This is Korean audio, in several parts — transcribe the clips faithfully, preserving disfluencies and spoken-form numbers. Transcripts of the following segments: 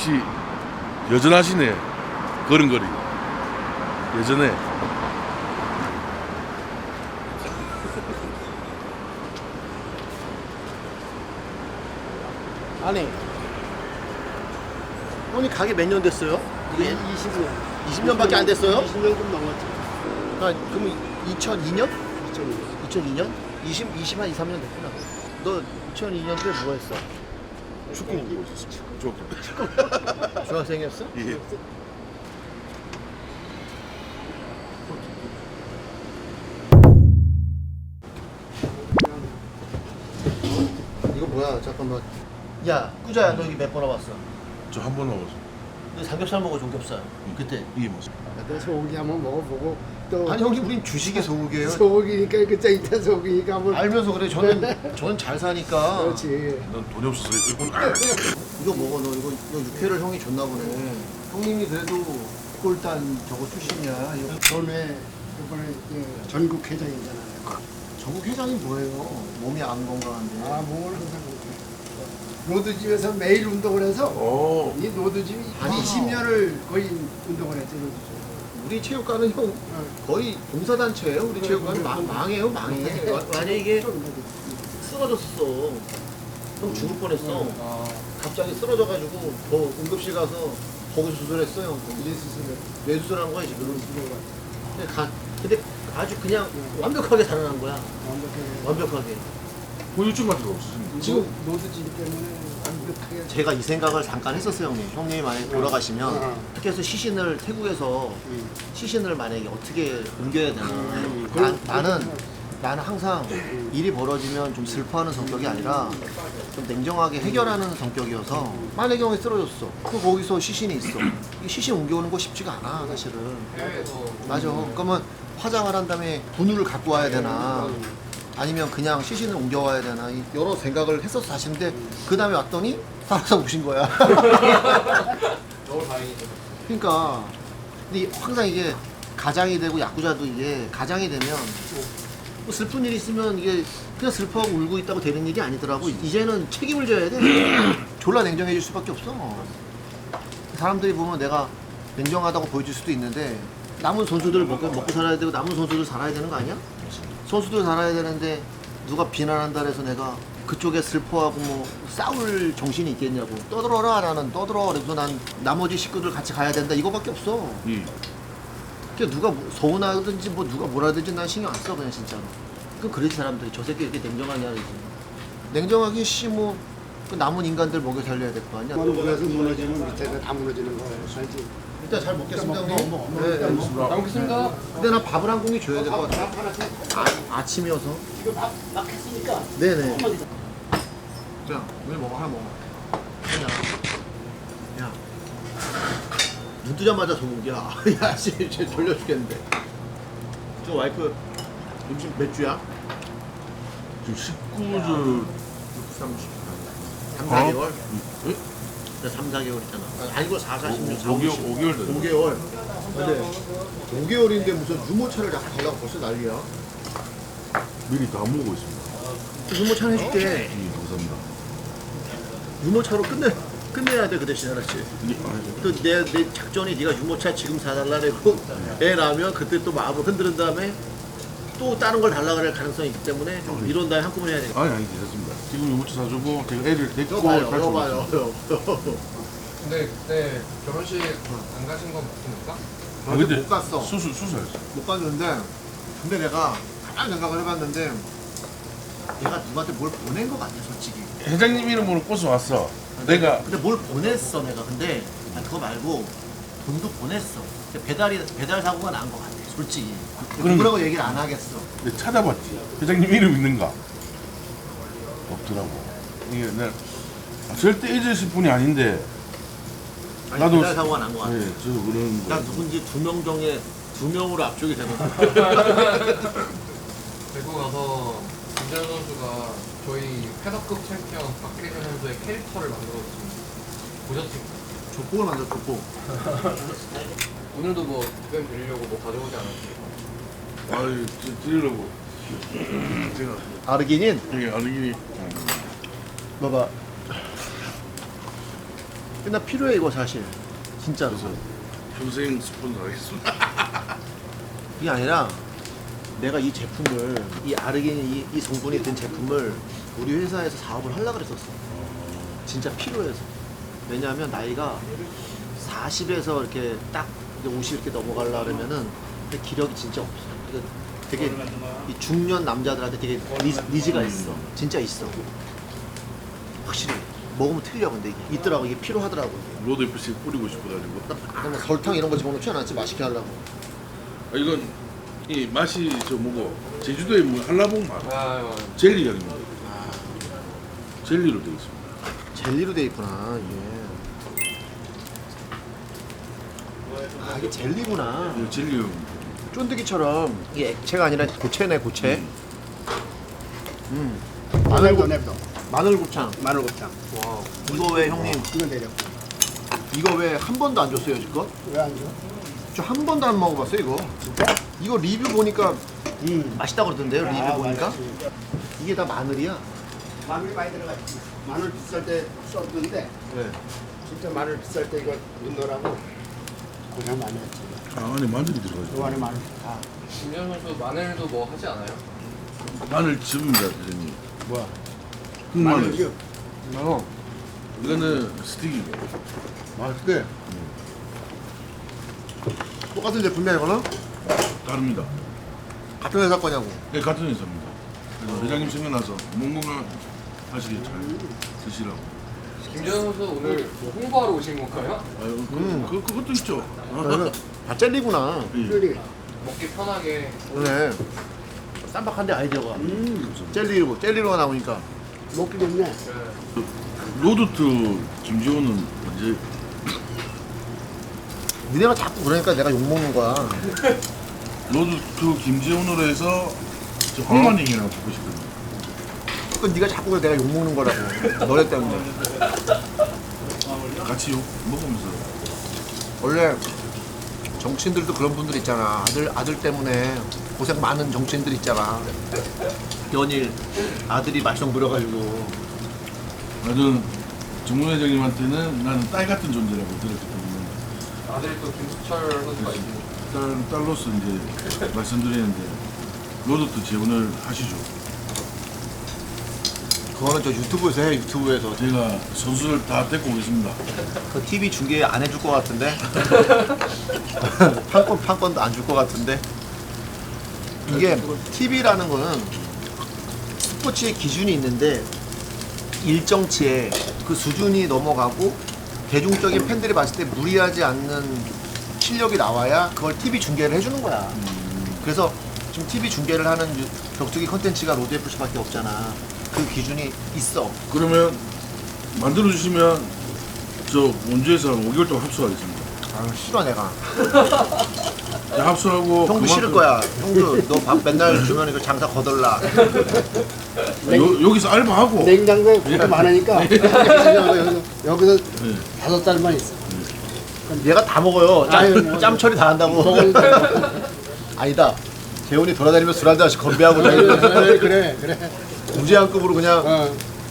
역시 여전하시네. 걸음걸이 여전해. 아니, 형님 가게 몇 년 됐어요? 이게 이십 년. 이십 년밖에 안 됐어요? 이십 년 좀 넘었지. 아, 그럼 이천이 년? 이천 년. 이천이 년? 이십, 이십 한 이, 삼 년 됐구나. 너 이천이 년 때 뭐 했어? 축구 보고 있었어. 축구. 중학생이었어? 예. 이거 뭐야? 잠깐만. 야, 꾸자야, 너 여기 몇 번 와봤어? 저 한 번 먹었어. 너 삼겹살 먹어, 종겹살? 그때. 이게 뭐지? 내가 소고기 한번 먹어보고 또 아니 형님, 우린 주식의 소고기예요. 소고기니까 그짜 이따 소고기니까 한번 알면서 그래. 저는 저는 잘 사니까. 그렇지. 난 돈이 없어서 일본. 이거 먹어. 너 이거 이거 육회를 형이 줬나 보네. 형님이 그래도 꼴단 저거 출신이야. 이거 전에 이번에 그 전국 회장이잖아. 전국 회장이 뭐예요? 몸이 안 건강한데. 아 몸을 항상 그렇게. 노드집에서 매일 운동을 해서 오. 이 노드집이 아니, 이십 년을 거의 운동을 했지 노드집. 우리 체육관은 형 거의 봉사단체예요. 우리 체육관은 망, 망해요, 망해. 만약에 이게 쓰러졌어. 형 죽을 뻔했어. 갑자기 쓰러져가지고 더 응급실 가서 거기서 수술했어요. 예수스를 뇌수술한 거야 지금. 근데, 가, 근데 아주 그냥 완벽하게 살아난 거야. 완벽하게. 완벽하게. 보여줄 맛이 없으십니까? 지금 노드집 때문에 완벽하게. 제가 이 생각을 잠깐 했었어요, 형님. 형님이 만약에 돌아가시면 어. 특히 해서 시신을 태국에서 음. 시신을 만약에 어떻게 옮겨야 되나. 음. 나, 나는 나는 항상 일이 벌어지면 좀 슬퍼하는 성격이 아니라 좀 냉정하게 해결하는 성격이어서 만약에 형이 쓰러졌어. 그 거기서 시신이 있어. 이 시신 옮겨오는 거 쉽지가 않아, 사실은. 맞아. 그러면 화장을 한 다음에 분유를 갖고 와야 되나. 아니면 그냥 시신을 옮겨와야 되나 이 여러 생각을 했었어 사실인데 그 다음에 왔더니 살아서 오신 거야. 너무 다행이죠. 그러니까 근데 항상 이게 가장이 되고 야구자도 이게 가장이 되면 뭐 슬픈 일이 있으면 이게 그냥 슬퍼하고 울고 있다고 되는 일이 아니더라고. 이제는 책임을 져야 돼. 졸라 냉정해질 수밖에 없어. 사람들이 보면 내가 냉정하다고 보여줄 수도 있는데 남은 선수들 먹고, 먹고 살아야 되고 남은 선수들 살아야 되는 거 아니야? 선수들 살아야 되는데 누가 비난한다 해서 내가 그쪽에 슬퍼하고 뭐 싸울 정신이 있겠냐고. 떠들어라. 나는 떠들어. 그래서 난 나머지 식구들 같이 가야 된다 이거밖에 없어. 이. 그러니까 누가 뭐 서운하든지 뭐 누가 뭐라든지 난 신경 안 써 그냥 진짜로. 그 그러지 사람들이 저 새끼 이렇게 냉정하냐 그러지. 냉정하게 씨뭐 그 남은 인간들 먹여 살려야 될 거 아니야. 위에서 무너지면 밑에가 다 무너지는 거야. 알지? 일단 잘 먹겠습니다 먹어, 형님. 먹어, 먹어. 네, 네. 잘 먹겠습니다. 근데 나 밥을 한 공기 줘야 될 것 같아. 아, 아침이어서. 이거 막, 막 했으니까 네네. 한마디 야, 오늘 먹어 하나 먹어. 하나. 야. 눈 뜨자마자 소고기야. 야, 씨, 쟤 졸려 죽겠는데. 저 와이프 음식 몇 주야? 지금 십구 주 삼십. 삼, 어? 사 개월? 예? 나 삼, 사 개월 있잖아. 아, 아니고 사, 사, 십육, 사, 오 개월 오 개월 됐네. 오 개월. 근데 오 개월인데 무슨 유모차를 자꾸 달라고 벌써 난리야. 미리 다 먹고 있습니다. 유모차 해줄게. 예, 감사합니다. 유모차로 끝내 끝내야 돼 그 대신 알았지. 예, 알죠. 또 내 내 작전이 네가 유모차 지금 사달라고 애 낳으면 그때 또 마음을 흔드는 다음에 또 다른 걸 달라 그럴 가능성이 있기 때문에 좀 이런 다음에 한꺼번에 해야 돼. 아니 아니 괜찮습니다. 지금 유모차 사주고 제가 애를 데리고 이거 봐요, 갈 이거 수 봐요. 있습니다. 근데 그때 결혼식 안 가신 건 맞습니까? 아, 근데 근데 못 갔어. 수술 수술했어. 못 갔는데 근데 내가 가만 생각을 해봤는데 내가 누구한테 뭘 보낸 것 같아 솔직히. 회장님 이름으로 꽃을 왔어. 내가 근데 뭘 보냈어 내가. 근데 아, 그거 말고 돈도 보냈어. 근데 배달이 배달 사고가 난 것 같아 솔직히. 그럼- 누구라고 얘기를 안 하겠어. 내가 찾아봤지. 회장님 이름 있는가? 없더라고. 이게 내가 아, 절대 잊으실 분이 아닌데. 아니, 나도 배달 사고가 난 것 같아. 네, 저 그런 나 거. 누군지 두 명 중에 두 명으로 압축이 되는 거야. 대구 가서 김재현 선수가 저희 패더급 챔피언 박혜진 선수의 캐릭터를 만들었습니다. 보셨습니까? 족복을 만들어 족복. 오늘도 뭐 답변 드리려고 뭐 가져오지 않았습니까? 아유, 드- 드리려고. 제가 아르기닌? 되게 아르기니. 봐봐. 나 필요해 이거 사실. 진짜로. 그래서 평생 스폰서 하겠습니다. 이게 아니라 내가 이 제품을 이 아르기닌 이, 이 성분이 든 제품을 우리 회사에서 사업을 하려고 그랬었어. 진짜 필요해서. 왜냐하면 나이가 사십에서 이렇게 딱 이제 오십 이렇게 넘어가려 그러면은 근데 기력이 진짜 없어. 그러니까 되게 이 중년 남자들한테 되게 니, 니즈가 있어. 진짜 있어. 확실히 먹으면 틀려. 근데 이게 있더라고. 이게 필요하더라고. 로드 에프씨 뿌리고 싶어가지고. 그럼 뭐 설탕 이런 거 집어넣지 않았지 맛있게 하려고. 아, 이건 이 맛이 저 뭐고 제주도에 뭐 한라봉 맛 아유, 젤리 아닙니다. 젤리로 되어 있습니다. 젤리로 돼 있구나 이게. 아 이게 젤리구나. 이거 젤리용. 쫀득이처럼 이게 액체가 아니라 고체네 고체. 음. 마늘도 냅둬. 마늘 곱창. 마늘곱창. 와 이거 왜 형님 이거 내려. 이거 왜 한 번도 안 줬어요 지금? 왜안 줘? 저 한 번도 안 먹어봤어요 이거. 이거 리뷰 보니까 음. 맛있다고 그러던데요 리뷰 아, 보니까. 맛있지. 이게 다 마늘이야. 마늘 많이 들어갔지. 마늘 비쌀 때 썼는데 네. 진짜 마늘 비쌀 때 이거 넣으라고 고생 많이 했지. 아, 안에 마늘이 들어가죠. 요 안에 마늘 다. 김재현 선수 마늘도 뭐 하지 않아요? 마늘 즙입니다, 대장님. 뭐야? 흑마늘. 마늘이요. 어. 이거는 스틱이고. 맛있게. 똑같은 제품이야 이거는? 다릅니다. 같은 회사 거냐고. 네, 같은 회사입니다. 그래서 회장님 생각나서 몽롱한 하시게 잘 드시라고. 김재현 선수 오늘 뭐 홍보하러 오신 건가요? 아유, 그, 음. 그, 그것도 있죠. 이거는 다 젤리구나. 예. 그러니. 먹기 편하게. 그러네. 쌈박한데 아이디어가. 음. 젤리로 젤리로가 나오니까. 먹기 좋네. 네. 로드트 김지호는 언제 니네가 자꾸 그러니까 내가 욕 먹는 거야. 로드트 김지호으로 해서 저 홍만행이라고 보고 싶거든요. 그 네가 자꾸 내가 욕 먹는 거라고. 너네 때문에. 같이 욕 먹으면서 원래 정치인들도 그런 분들 있잖아. 아들 아들 때문에 고생 많은 정치인들 있잖아. 연일 아들이 말썽 부려가지고. 나는 정문 회장님한테는 나는 딸 같은 존재라고 들었기 때문에 아들이 또 김수철 선수가 있고. 딸, 딸로서 이제 말씀드리는데 로드트 지원을 하시죠. 그거는 저 유튜브에서 해. 유튜브에서. 제가 선수를 다 데리고 오겠습니다. 그 티비 중계 안 해줄 것 같은데. 판권 판권도 안 줄 것 같은데. 이게 티비라는 거는 스포츠의 기준이 있는데 일정치에 그 수준이 넘어가고 대중적인 팬들이 봤을 때 무리하지 않는 실력이 나와야 그걸 티비 중계를 해주는 거야. 그래서 지금 티비 중계를 하는 유- 격투기 컨텐츠가 로드에프씨밖에 없잖아. 그 기준이 있어. 그러면 만들어 주시면 저 원주에서 오 개월 동안 합수하겠습니다. 아 싫어 내가. 자, 합수하고 형도 싫을 거야. 형도 너 밥 맨날 주면 이거 장사 거덜나. 요, 여기서 알바하고 냉장고에 그렇게 많으니까 여기서, 여기서 네. 다섯 달만 있어. 얘가 다 먹어요. 짬, 아유, 뭐. 짬 처리 다 한다고. 먹을 때. 아니다. 재훈이 돌아다니면서 술 한 잔씩 건배하고 그래, 다니는 그래, 그래. 무제한급으로 그냥. 어,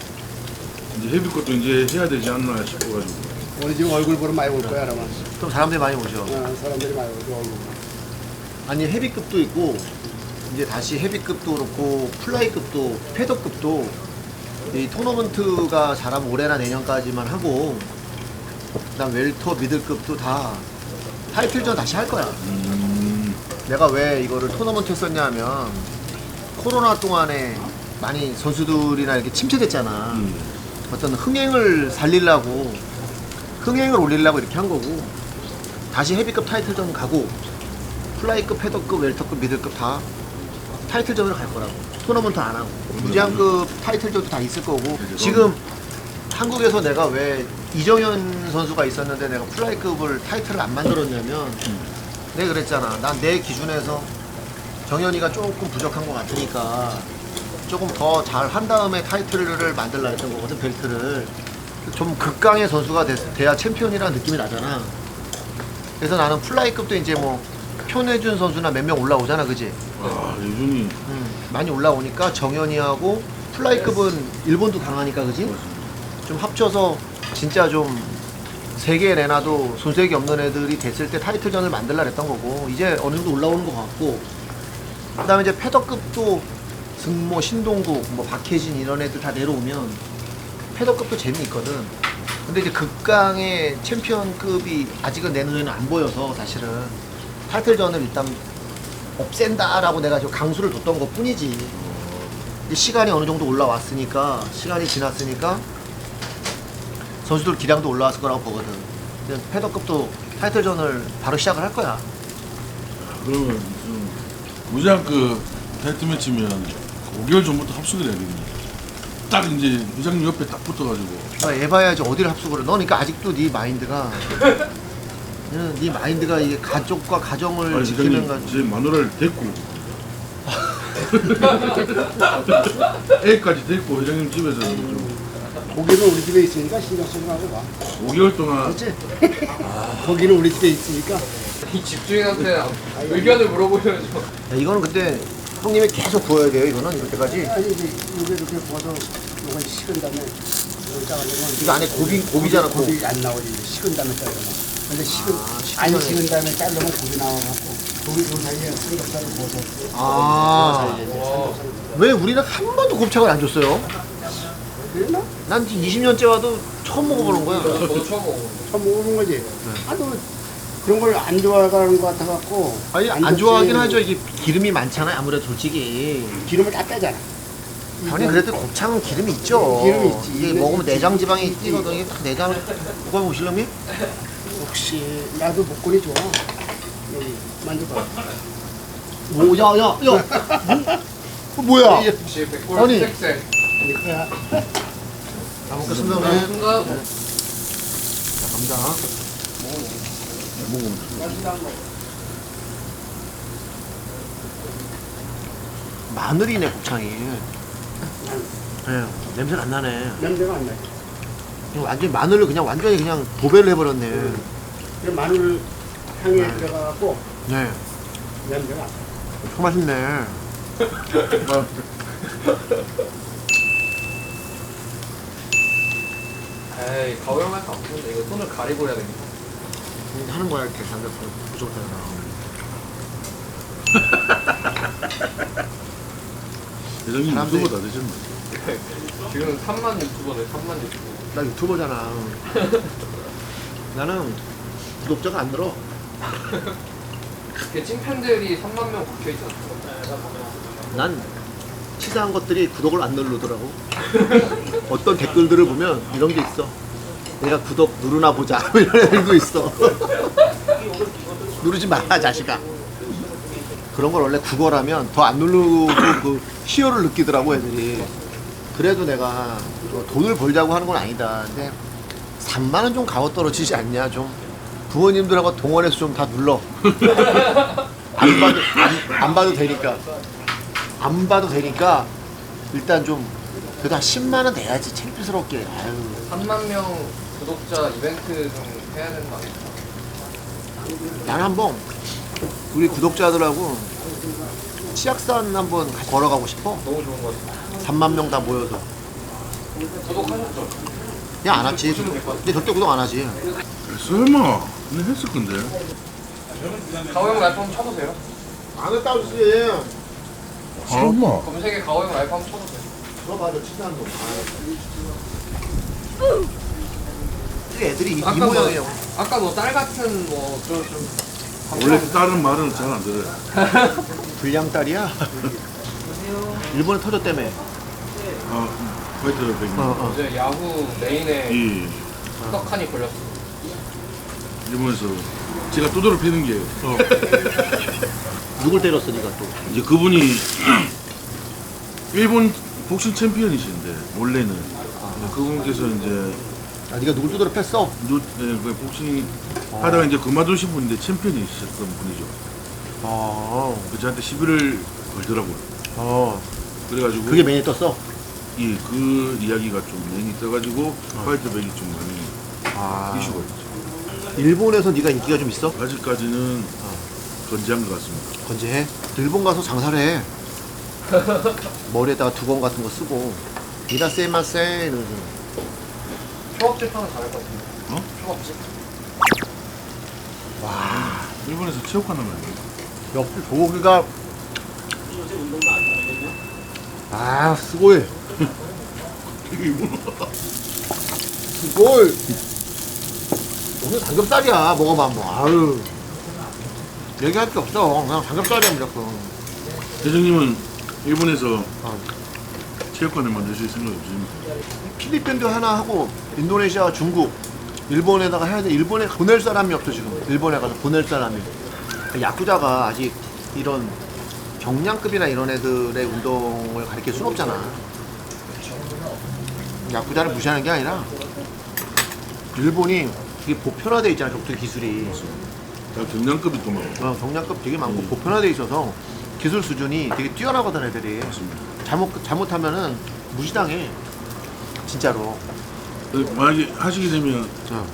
이제 헤비 것도 이제 해야 되지 않나 싶어가지고 우리 지금 얼굴 보러 많이 올 거야, 아마. 좀 사람들이 많이 오죠. 어, 사람들이 많이 오고 얼굴. 아니 헤비급도 있고 이제 다시 헤비급도 그렇고 플라이급도 패더급도 이 토너먼트가 잘하면 올해나 내년까지만 하고 그다음 웰터 미들급도 다 타이틀전 다시 할 거야. 음, 내가 왜 이거를 토너먼트 했었냐 하면 코로나 동안에 많이 선수들이나 이렇게 침체됐잖아. 음. 어떤 흥행을 살리려고 흥행을 올리려고 이렇게 한 거고 다시 헤비급 타이틀전 가고 플라이급, 패더급, 웰터급, 미들급 다 타이틀전으로 갈 거라고. 토너먼트 안 하고 무제한급 타이틀전도 다 있을 거고. 지금 한국에서 내가 왜 이정현 선수가 있었는데 내가 플라이급을 타이틀을 안 만들었냐면 내가 그랬잖아. 난 내 기준에서 정현이가 조금 부족한 것 같으니까 조금 더 잘 한 다음에 타이틀을 만들라 했던 거거든. 벨트를 좀 극강의 선수가 돼, 돼야 챔피언이라는 느낌이 나잖아. 그래서 나는 플라이급도 이제 뭐 표내준 선수나 몇 명 올라오잖아, 그지? 아 예준이 음, 많이 올라오니까 정현이하고 플라이급은 일본도 강하니까, 그지? 좀 합쳐서 진짜 좀 세계 레나도 손색이 없는 애들이 됐을 때 타이틀전을 만들라 했던 거고 이제 어느 정도 올라오는 것 같고 그 다음에 이제 패더급도 승모, 신동국, 뭐 박혜진 이런 애들 다 내려오면 패더급도 재미있거든. 근데 이제 극강의 챔피언급이 아직은 내 눈에는 안 보여서 사실은 타이틀전을 일단 없앤다라고 내가 지금 강수를 뒀던 것 뿐이지. 이제 시간이 어느 정도 올라왔으니까 시간이 지났으니까 선수들 기량도 올라왔을 거라고 보거든. 이제 패더급도 타이틀전을 바로 시작을 할 거야. 그러면 좀 무장 그 타이틀 매치면 오 개월 전부터 합숙을 해야 되겠네. 딱 이제 부장님 옆에 딱 붙어가지고 아, 해봐야지 어디를 합숙을 해. 너 그러니까 아직도 네 마인드가 응, 네 마인드가 이게 가족과 가정을 아니 지키는 부장님 가 제 마누라를 데리고 애까지 데리고 회장님 집에서 좀 고기는 우리 집에 있으니까 신경 쓰지 말고 봐. 오 개월 동안 그렇지? 고기는 우리 집에 있으니까. 이 집주인한테 의견을 물어보셔야죠. 야, 이거는 근데 형님이 계속 구워야 돼요. 이거는 이럴 때까지. 아니 이제 이게 이렇게 구워서 이건 식은 다음에 이걸 짜가지고 이거 안에 고기 고기잖아. 고기, 고기. 고기 안 나오지. 식은 다음에 자르면. 근데 식은 아, 식은 안 다음에. 식은 다음에 자르면 고기 나와갖고 고기 그 사이에 삼겹살을 구워서 아, 그 사이에 와. 삼겹살을 왜 우리는 한 번도 곱창을 안 줬어요? 그랬나? 난 지금 이십 년째 와도 처음 먹어보는 거야. 저도 처음 먹어보는 처음 먹어본 거지. 아, 너 그런 걸 안 좋아하는 것 같아갖고. 아니 안 좋지. 좋아하긴 하죠. 이게 기름이 많잖아요. 아무래도 솔직히. 기름을 다 빼잖아. 형님 그래도 곱창은 기름이 있죠. 기름이 있지. 이게 이게 먹으면 내장 지방이 있지. 뛰거든. 이게 딱 내장. 누가 보실려면? 혹시 나도 목걸이 좋아. 여기 만져봐. 오, 야, 야, 야. 뭐, 뭐야? 이게 혹시 백골 아니. 스택색 이거야. 잘 먹겠습니다. 오늘. 순간 자, 갑니다. 마늘이네 곱창이. 네, 냄새는 안 나네. 냄새가 안 나. 이거 완전히 마늘을 그냥 완전히 그냥 도배를 해버렸네. 그 마늘 향이 들어가갖고 네, 냄새가 안 나. 참 맛있네. 에이 가오형할 거 없는데 이거 손을 가리고 해야 됩니다. 하는 거야 이렇게 삼겹살 부족하다. 회장님 사람들이- 유튜버 다 되셨네. 지금 삼만 유튜버네 삼만 유튜버. 나 유튜버잖아. 나는 구독자가 안 늘어. 이게 찐팬들이 삼만 명 박혀있잖아. 난 치사한 것들이 구독을 안 누르더라고. 어떤 댓글들을 보면 이런 게 있어. 내가 구독 누르나 보자. 이런 애들도 있어. 누르지 마라 자식아. 그런 걸 원래 국어라면 더 안 누르고 그 희열을 느끼더라고 애들이. 그래도 내가 뭐 돈을 벌자고 하는 건 아니다. 근데 삼만 원 좀 가워 떨어지지 않냐 좀. 부모님들하고 동원해서 좀 다 눌러. 안 봐도 안, 안 봐도 되니까. 안 봐도 되니까 일단 좀 그래도 한 십만 원 내야지 창피스럽게. 아유. 삼만 명 구독자 이벤트 좀 해야 되는 거 아니야? 나는 한번 우리 구독자들하고 치악산 한번 같이 걸어가고 싶어. 너무 좋은 거 같아. 삼만 명 다 모여서. 구독하셨죠? 그냥 안 하지. 근데 절대 구독 안 하지. 설마 근데 했을 건데. 가오형 라이프 한번 쳐보세요. 안 했다고 쓰지. 설마. 검색에 가오형 라이프 한번 쳐보세요. 너 봐도 치사한 거. 이 애들이 이, 이 아까 뭐, 모양이에요. 아까 뭐 딸 같은 뭐좀 좀. 원래 다른 말은 잘 안 들어요. 불량딸이야. 일본에 터졌다며. 아 화이트 백님. 어, 어. 이제 야후 메인에 이 떡하니 걸렸어. 일본에서 제가 두드러 패는 게 어. 누굴 때렸어 네가 또? 이제 그분이 일본 복싱 챔피언이신데 원래는 그분께서 이제 아 네가 누굴 두드려 팼어? 누, 네, 그 복싱 하다가 이제 그만두신 분인데 챔피언이셨던 분이죠. 아, 그 저한테 시비를 걸더라고요. 어. 그래가지고 그게 메인에 떴어? 예, 그 이야기가 좀 많이 떠가지고 화이트백이 좀 많이 아. 이슈가 있죠. 일본에서 네가 인기가 좀 있어? 아직까지는 건재한 것 같습니다. 건재해? 일본 가서 장사를 해. 머리에다가 두건 같은 거 쓰고 이라세마세 이러면서 휴업 재판은 잘할 것 같은데. 어? 없지. 일본에서 체육관을 만들어. 옆에 도기가 아 스고이 스고이 오늘 삼겹살이야. 먹어봐 뭐. 아유 얘기할 게 없어. 그냥 삼겹살이야 무조건. 대장님은 일본에서 어. 체육관을 만드실 생각 없으십니까? 필리핀도 하나 하고 인도네시아, 중국, 일본에다가 해야 돼. 일본에 보낼 사람이 없어 지금. 일본에 가서 보낼 사람이. 야쿠자가 아직 이런 경량급이나 이런 애들의 운동을 가르칠 순 없잖아. 야쿠자를 무시하는 게 아니라 일본이 되게 보편화돼 있잖아. 격투기 기술이. 다 경량급이 또 많고. 어, 경량급 되게 많고 보편화돼 있어서 기술 수준이 되게 뛰어나거든 애들이. 맞습니다. 잘못 잘못하면은 무시당해. 진짜로. 어, 만약에 하시게 되면 어.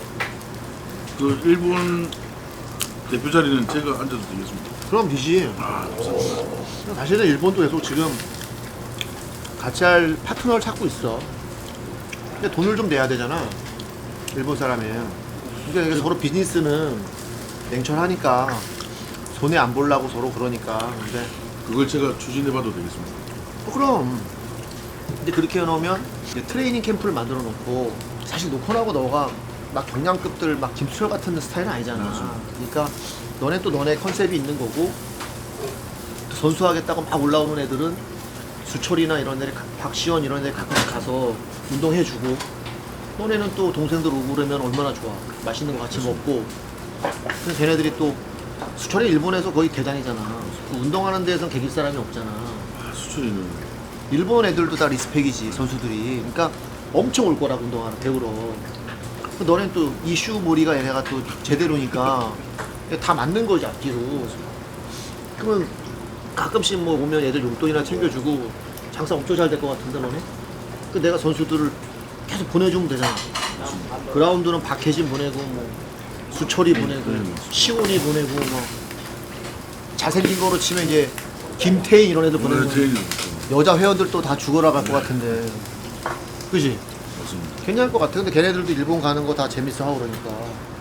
그 일본 대표 자리는 제가 앉아도 되겠습니다. 그럼 되지. 아, 감사합니다. 사실은 일본도 계속 지금 같이 할 파트너를 찾고 있어. 근데 돈을 좀 내야 되잖아. 일본 사람이. 그러니까 이게 서로 비즈니스는 냉철하니까 손해 안 보려고 서로 그러니까. 근데 그걸 제가 추진해봐도 되겠습니다. 어, 그럼. 근데 그렇게 해놓으면 이제 트레이닝 캠프를 만들어 놓고 사실 노컨하고 너가 막 경량급들 막 김수철 같은 스타일은 아니잖아. 맞아. 그러니까 너네 또 너네 컨셉이 있는 거고 또 선수하겠다고 막 올라오는 애들은 수철이나 이런 데 박시원 이런 데 가끔 가서 운동해주고 너네는 또 동생들 오고 그러면 얼마나 좋아. 맛있는 거 같이 먹고. 그래서 걔네들이 또 수철이 일본에서 거의 대단이잖아. 그 운동하는 데에선 개길 사람이 없잖아. 아, 수출이는 일본 애들도 다 리스펙이지 선수들이. 그러니까 엄청 올 거라고 운동하러 배우러. 너넨 또 이슈 모리가 얘네가 또 제대로니까 다 맞는 거지 앞뒤로. 그러면 가끔씩 뭐 오면 애들 용돈이나 챙겨주고 장사 엄청 잘 될 것 같은데 너네? 그 내가 선수들을 계속 보내주면 되잖아. 그라운드는 박혜진 보내고 뭐 수철이 보내고 네, 시온이 보내고 뭐 잘생긴 거로 치면 이제 김태희 이런 애들 보내고 트레이닝 여자 회원들도 다 죽어라 갈 것 같은데 그지? 맞습니다. 괜찮을 것 같아. 근데 걔네들도 일본 가는 거 다 재밌어 하고 그러니까.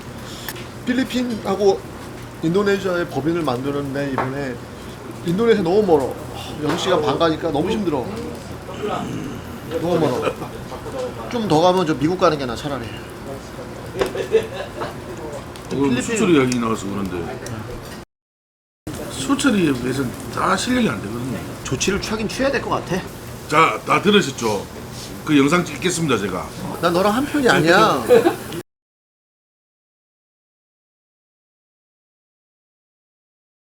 필리핀하고 인도네시아의 법인을 만드는데 이번에 인도네시아 너무 멀어. 여섯 시간 반 가니까 너무 힘들어. 너무 멀어. 좀 더 가면 저 미국 가는 게 나 차라리. 오늘 필리핀- 수출 이야기 나와서 그런데 수출에 비해서는 다 실력이 안 되거든요. 조치를 취하긴 취해야 될 것 같아. 자, 다 들으셨죠? 그 영상 찍겠습니다, 제가. 난 너랑 한 편이 아니야.